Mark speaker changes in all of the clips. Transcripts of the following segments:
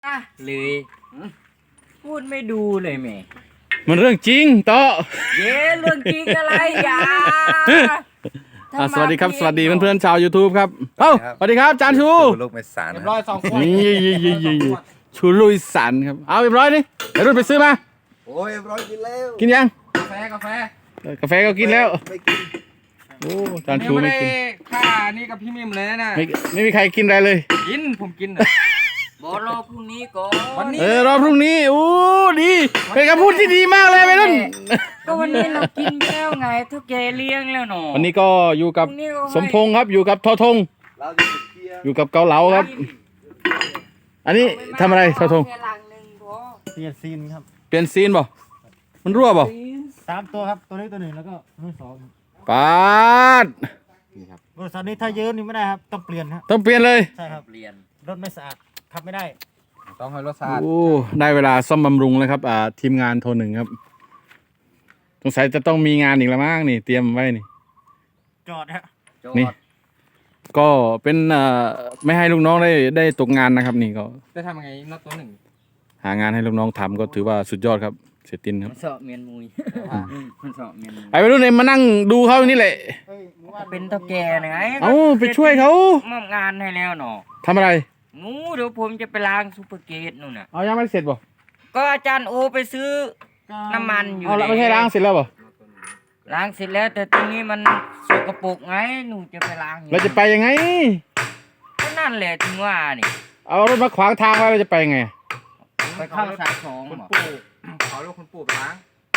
Speaker 1: เลยพูดไม่ดูเลยแม่
Speaker 2: มันเรื่องจริงโต
Speaker 1: เย้เรื่องจริงอะไรอย่า
Speaker 2: สวัสดีครับสวัสดีเพื่อนๆชาว YouTube ครับสวัสดีครับจานชู
Speaker 3: ลูกเมสาน
Speaker 1: เรียบร้อย2 ขวด
Speaker 2: ชูลุยสันครับเอาเรียบร้อยนี่เดี๋ยวรุ่นไปซื้อมา
Speaker 3: โอ้ยร้อยกินแล้ว
Speaker 2: กินยัง
Speaker 1: กาแฟ
Speaker 2: กาแฟก็กินแล้ว
Speaker 3: ไม่กิน
Speaker 2: โอ้จานชูไม่กิน
Speaker 1: ค่านี่กับพี่มิมเลยนะ
Speaker 2: ไม่มีใครกินอะไรเลย
Speaker 1: กินผมกินบอรอพรุ่งนี้ก่อนวันนี้
Speaker 2: รอพรุ่งนี้โอ้ดีเป็นคำพูดที่ดีมากเลยไปรุ่น
Speaker 1: ก็วันนี้เรากินแล้วไงทุกแกเลี้ยงแล้วหนอ
Speaker 2: วันนี้ก็อยู่กับสมพงษ์ครับอยู่กับทอทงอยู่กับเกาเหลาครับอันนี้ทำอะไรทอทง
Speaker 4: เปลี่ยนซีนครับ
Speaker 2: เปลี่ยนซีนบ่มันรั่วบ่
Speaker 4: 3 ตัวครับตัวนี้ตัวหนึ่งแล้วก็ตัวที่2
Speaker 2: ปาด
Speaker 4: นี่ครับบริษัทนี้ถ้าเยอะนี่ไม่ได้ครับต้องเปลี่ยนครับ
Speaker 2: ต้องเปลี่ยนเลย
Speaker 4: ใช่ครับเปลี่ยนรถไม่สะอาดขับไม่ได้
Speaker 1: ต้องให้รถสะอาด
Speaker 2: โอ้ได้เวลาซ่อมบำรุงแล้วครับทีมงานโทรหนึ่งครับสงสัยจะต้องมีงานอีกแล้วมั้งนี่เตรียมไว้นี่
Speaker 4: จอดฮะ
Speaker 2: นี่ก็เป็นไม่ให้ลูกน้องได้ตกงานนะครับนี่ก็
Speaker 1: จะทำยังไงนัดตัวหนึ่ง
Speaker 2: หางานให้ลูกน้องทำก็ถือว่าสุดยอดครับเสียตินครับ
Speaker 1: มันเสาะเมียนมุยมันเสาะเมียนมุย
Speaker 2: ไอ้วัยรุ่นเนี่ยมานั่งดูเขานี่แหละ
Speaker 1: เป็นเท่าแก่ไง
Speaker 2: ไปช่วยเขา
Speaker 1: มอบงานให้แล้วหนอ
Speaker 2: ทำอะไร
Speaker 1: เดี๋ยวผมจะไปล้างซูเปอร์เกตนู่นน่ะ
Speaker 2: ยังไม่เสร็จบ่
Speaker 1: ก็อาจารย์โอไปซื้อน้ำมันอยู่
Speaker 2: ไม่ใช่ล้างเสร็จแล้วบ่
Speaker 1: ล้างเสร็จแล้วแต่ตรงนี้มันสกปรกไงหนูจะไปล้าง
Speaker 2: เราจะไปยังไง
Speaker 1: ก็นั่นแหละถึงว่านี่
Speaker 2: เอารถมาขวางทางไว้เราจะไปยังไง
Speaker 1: ไปเข้าสาย2คุณปู่ขอลูกคุณปู่ไปล้าง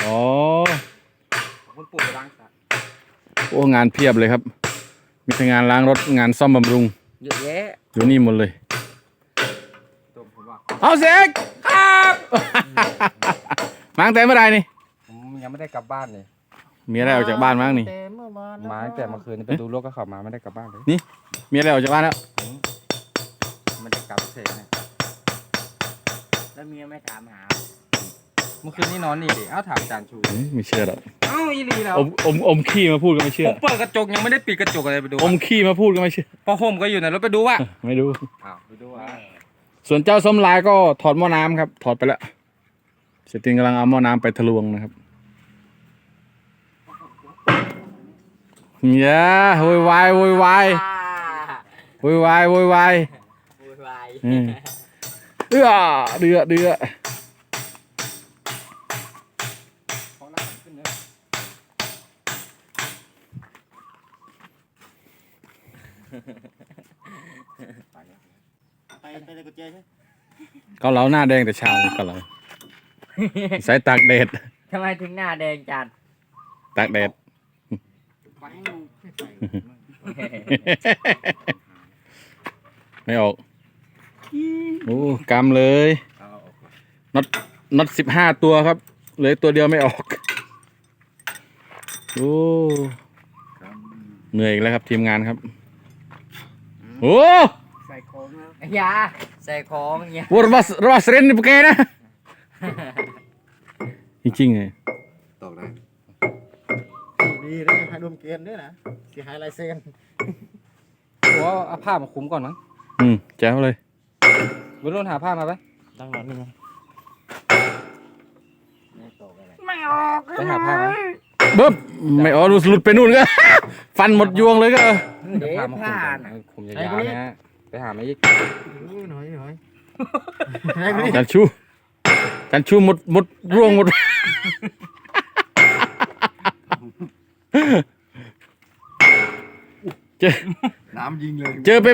Speaker 1: คุณปู่ไปล้างซะ
Speaker 2: โอ้งานเพียบเลยครับมีทั้งงานล้างรถงานซ่อมบำรุง
Speaker 1: เยอะแยะ
Speaker 2: อยู่นี่หมดเลยเอาเสกครับมาตั้งแต่เมื่อไรนี่
Speaker 1: ผมยังไม่ได้กลับบ้านเลย
Speaker 2: มีอะไรออกจากบ้านมั้งนี่
Speaker 1: มาตั้งแต่เมื่อคืนไปดูรถก็ขับมาไม่ได้กลับบ้านเลย
Speaker 2: นี่มีอะไรออกจากบ้านแล้ว
Speaker 1: มันจะกลับเสกนะแล้วเมียไม่ถามหาเมื่อคืนนี่นอนนี่ดิถามจานชู
Speaker 2: ไม่เชื่อหรอก
Speaker 1: อีหลีแล้ว
Speaker 2: อมขี้มาพูดก็ไม่เชื่อ
Speaker 1: ผมเปิดกระจกยังไม่ได้ปิดกระจกอะไรไปดู
Speaker 2: อมขี้มาพูดก็ไม่เชื่อ
Speaker 1: พอห่มก็อยู่ในรถไปดูว่ะ
Speaker 2: ไม่ดู
Speaker 1: ไปดูว่ะ
Speaker 2: ส่วนเจ้าส้มลายก็ถอดหม้อน้ำครับถอดไปแล้วเสตินกำลังเอาหม้อน้ำไปทะลวงนะครับอย่าโวยวายเดือ
Speaker 4: ไปเลยกุญแจใช่
Speaker 2: ก็เหลาหน้าแดงแต่เช้าเลยก็เหลาใส่ตากแดด
Speaker 1: ทำไมถึงหน้าแดงจัด
Speaker 2: ตากแดดไม่ออกโอ้กำเลยน็อต15 ตัวครับเหลือตัวเดียวไม่ออกโอ้เหนื่อยอีกแล้วครับทีมงานครับโอ้
Speaker 1: ใส่ของยาใส่ของยา
Speaker 2: รัสเรนนี่ปะแกนะจริงๆไง
Speaker 3: ตกได้
Speaker 4: ดีเลยให้ดมเกณฑ์ด้วยนะเสียหายลายเซ็น
Speaker 1: ว่าเอาผ้ามาคุ้มก่อนมั้ง
Speaker 2: แจ๋วเลย
Speaker 1: บุรุษหาผ้ามาไหม
Speaker 4: ตั้งหลังนี่ไง
Speaker 1: ไม่ออกไปหาผ้าไหม
Speaker 2: บึ๊บไม่ออกหลุดไปนู่นก็ฟันหมดยวงเลยก็
Speaker 1: เดี๋ยวผ้าคุมยาวๆนะไปหาไม่ยิ่ง
Speaker 4: หน่อย
Speaker 2: จันชูหมดร่วงหมด
Speaker 3: น้ำยิงเลย
Speaker 2: เจอไป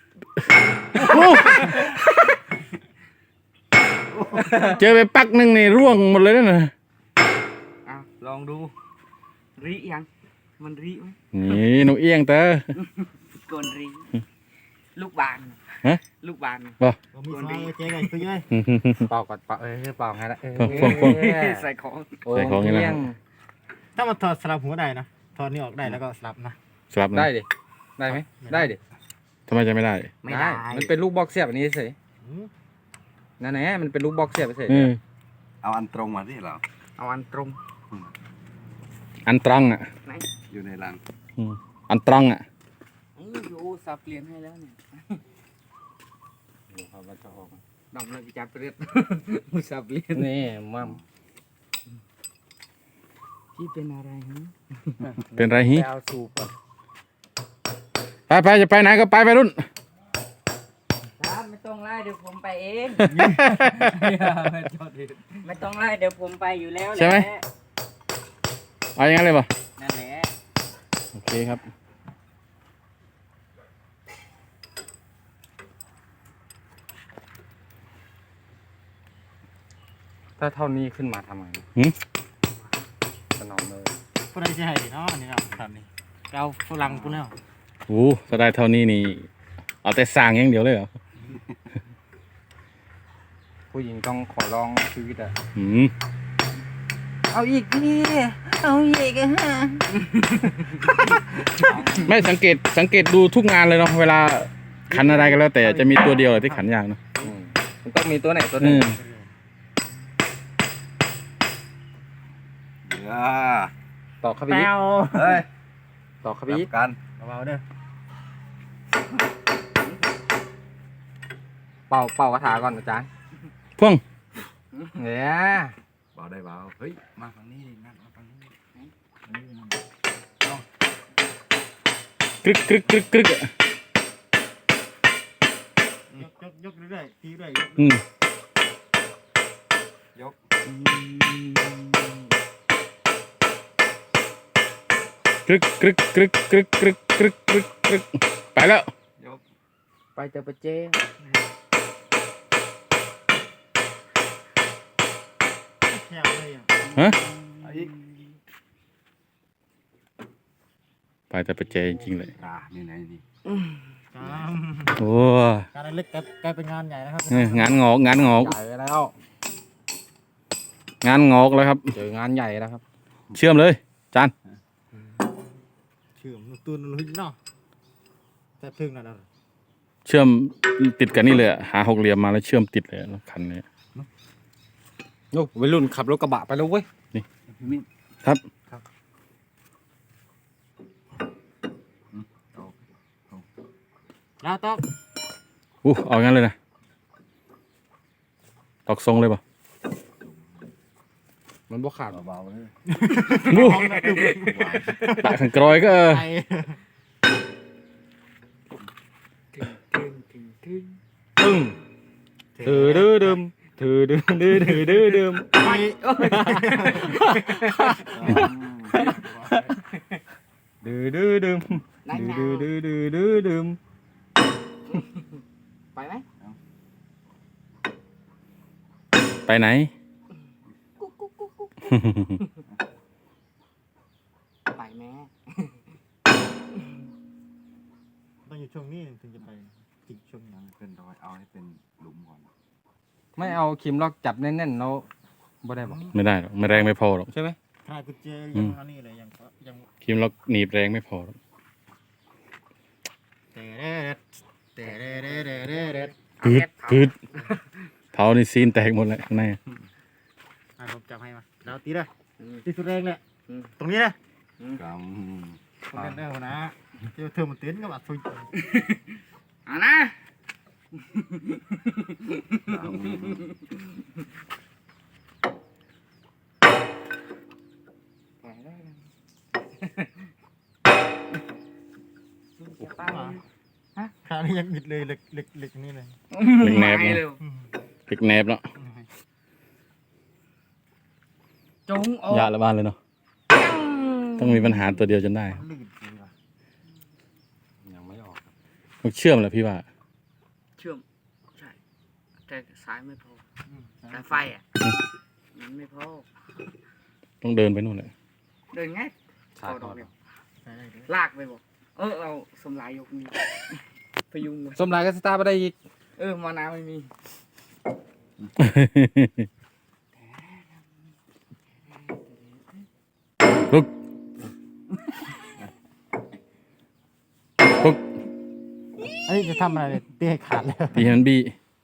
Speaker 2: ปักหนึ่งนี่ร่วงหมดเลยนะ
Speaker 1: ลองดูรียังมันรีไหม
Speaker 2: นี่หนูเอียงเตอ
Speaker 1: กนรีลูกบานลูกบาน
Speaker 2: บ่
Speaker 4: มีไฟเจ๊ไงคือไง
Speaker 1: เป่าก่อนเป่าเป่าไงละใส่ของ
Speaker 2: นี่นะ
Speaker 4: ถ้ามันถอดสลับหัวได้นะถอดนี่ออกได้แล้วก็สลับนะ
Speaker 2: สลับ
Speaker 1: ได้ดิได้ไหมได้ดิ
Speaker 2: ทำไมจะไม่ได้
Speaker 1: ไม่ได้มันเป็นลูกบล็อกเสียบอันนี้เฉยนั่นแหละมันเป็นลูกบล็อกเสียบเฉย
Speaker 3: เอาอันตรงมาที่เรา
Speaker 1: เอาอันตรง
Speaker 2: อันตรัง
Speaker 3: อยู่ในรัง
Speaker 2: อันตรัง
Speaker 1: อยู่สับเปลี่ยนให้แล้วเนี่ยดูครับว่าจะออกดำเลยจับเรียบมุสับเลียนนี่มั่มพี่เป็นอะไรฮะ
Speaker 2: เป็นไรฮิ
Speaker 1: ไปเอาสูบก่อน
Speaker 2: ไปจะไปไหนก็ไปรุ่น
Speaker 5: ครับไม่ต้องไล่เดี๋ยวผมไปเอง
Speaker 1: ไม่จอดดิ
Speaker 5: ไม่ต้องไล่เดี๋ยวผมไปอยู่แล้วแหละ
Speaker 2: ใช่ไหม เอาอย่างนั้นเลยป่ะ
Speaker 5: นั่นแหละ
Speaker 2: โอเคครับ
Speaker 1: ถ้าเท่านี้ขึ้นมาทำไง
Speaker 2: หืม
Speaker 1: สนอมเลย
Speaker 4: ผู้ใดจะให้เนาะนี่เนาะตอนนี้เราฝรั่งปุ่นแล้ว
Speaker 2: โอ้ถ้าได้เท่านี้นี่ เอาแต่สร้างอย่างเดียวเลยเหรอ
Speaker 1: ผู้หญิงต้องขอร้องชีวิตอะ
Speaker 2: อืม
Speaker 5: เอาอีกพี่เอาอีกฮะ
Speaker 2: ไม่สังเกตดูทุกงานเลยเนาะเวลาขันอะไรกันแล้ว แต่จะมีตัวเดียวที่ขันยากเนาะ
Speaker 1: มันต้องมีตัวไหนตัวห
Speaker 2: อื
Speaker 1: นึ่ง
Speaker 2: ม
Speaker 3: เดี๋ยว
Speaker 1: ต่อเข้าไป
Speaker 5: แป
Speaker 1: อีก
Speaker 5: ว
Speaker 3: เฮ้ย
Speaker 1: ต่อเข้าไป
Speaker 3: จั
Speaker 1: อีก
Speaker 3: บกัน
Speaker 4: เบาๆเด้อ
Speaker 1: เป่ากระถาก่อนอาจารย์
Speaker 2: พ่วง
Speaker 1: เนี่ย
Speaker 3: เบาได้เบาเฮ้ยมาฝั่งนี้ดินั่นมาฝั่งนี้
Speaker 2: กรึกกรึกกรึกกรึกอะ
Speaker 4: ยกเรื่อยๆทีเรื่อย
Speaker 2: อืม
Speaker 3: ยก
Speaker 2: กรึกกรึกกรึกกรึกกรึกกรึกกรึกกรึกไปแล้ว
Speaker 3: ยก
Speaker 1: ไปเจอปะเจ้
Speaker 4: แข็งเลยอ่ะ
Speaker 2: ฮะ
Speaker 3: เอาอีก
Speaker 2: ไปแต่ไปเจจริงๆเลย
Speaker 3: นี่ไหนนี่
Speaker 4: ครับ
Speaker 2: โอ้
Speaker 4: งานเล็กกลายเป็นงานใหญ่นะครับ
Speaker 2: งานงอก
Speaker 1: ใหญ่แล้ว
Speaker 2: งานงอกแล้วครับ
Speaker 1: เจองานใหญ่แล้วครับ
Speaker 2: เชื่อมเลยจาน
Speaker 4: ชื่อมนตูนหุ่นเนาะแต่พึ่งนั่นน่ะ
Speaker 2: เชื่อมติดกันนี่เลยอะหาหกเหลี่ยมมาแล้วเชื่อมติดเลยรถคันนี้
Speaker 1: โอ้วัยรุ่นขับรถกระบะไปแล้วเว้ย
Speaker 3: พี่มิ้น
Speaker 2: ครับ
Speaker 4: แล้วต้อง
Speaker 2: เอางั้นเลยนะตอกทรงเลยป่ะ
Speaker 1: มันบ่ขาด
Speaker 3: เบาๆเลย
Speaker 2: วู้ปะขันกรอยก็
Speaker 4: ไป
Speaker 1: ตึ้งถือดื้อดึมถือดื้อดื้อถือดื้อดึม
Speaker 4: ไป
Speaker 1: ดื้อดื้อดึมดื้อดื้อดื้อดื้อดึม
Speaker 5: ไปไหม
Speaker 2: ไปไหน
Speaker 5: ไปแม่
Speaker 4: ต้องอยู่ช่วงนี้ถึงจะไปจิกช่วงนั้น
Speaker 3: เป็นรอยเอาให้เป็นหลุมก่อน
Speaker 1: ไม่เอาครีมล็อกจับแน่นๆแล้วบ่ได้บอก
Speaker 2: ไม่ได้หรอกไม่แรงไม่พอหรอก
Speaker 1: ใช่ไหม
Speaker 4: ขนาดกุญแจยังอันนี้เลยยัง
Speaker 2: ครีมล็อกหนีบแรงไม่พอหรอก
Speaker 4: เตะเด็ดเตะเด็ดเด็ดเด็ดเด็ด
Speaker 2: พืดเผานี่ซีนแตกหมดเลยข้างใน
Speaker 4: ผมจับให้มาแล้วตีเลยตีสุดแรงเลยตรงนี้นะ
Speaker 3: ก
Speaker 4: ตรงนี้ได้หัวนะเจ้าเธอมันเต้นกับอัดซุย
Speaker 5: อ่ะนะ
Speaker 1: ไปได้แล้ว
Speaker 5: ป้า
Speaker 4: คราวนี้ยังบิดเลยเล็กนี่เลย
Speaker 2: เล็กแนบ
Speaker 5: ไป
Speaker 2: เนาะ
Speaker 5: เร็ว
Speaker 2: เล็กแนบเนาะ
Speaker 5: จงออก
Speaker 2: ยาละบ้านเลยเนาะต้องมีปัญหาตัวเดียวจนได้
Speaker 4: ลื่นจริงว่ะ
Speaker 1: ยังไม่ออกครับ
Speaker 2: ต้องเชื่อมแหละพี่ว่า
Speaker 5: เชื่อมใช่แต่สายไม่พอสายไฟอ่ะมันไม่พอ
Speaker 2: ต้องเดินไปนู่นเลย
Speaker 5: เดินไง
Speaker 1: สายทอด
Speaker 4: ใช่ได้เลย
Speaker 5: ลากไปบอกเอาสมลายยกมีพยุงไว้
Speaker 1: สมรายก็สตาร์ทไปได้อีก
Speaker 5: มานาไม่มี
Speaker 2: ลุกลุก
Speaker 4: เอ้ยจะทำอะไรเนี่ยเตี้ยขาดเลย
Speaker 2: ตีให้มันบี้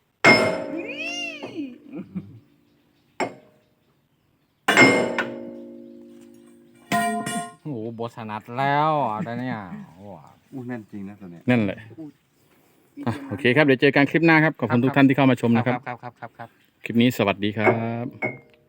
Speaker 1: โอ้โหบทถนัดแล้วอะไรเนี่ยโอ้โห
Speaker 3: อู้แน่นจริงนะตัวเนี้ย
Speaker 2: นั่นแหละโอเคครับ เดี๋ยวเจอกันคลิปหน้าครับ ขอบคุณทุกท่านที่เข้ามาชมนะครับ
Speaker 1: ครับ
Speaker 2: คลิปนี้สวัสดีครับ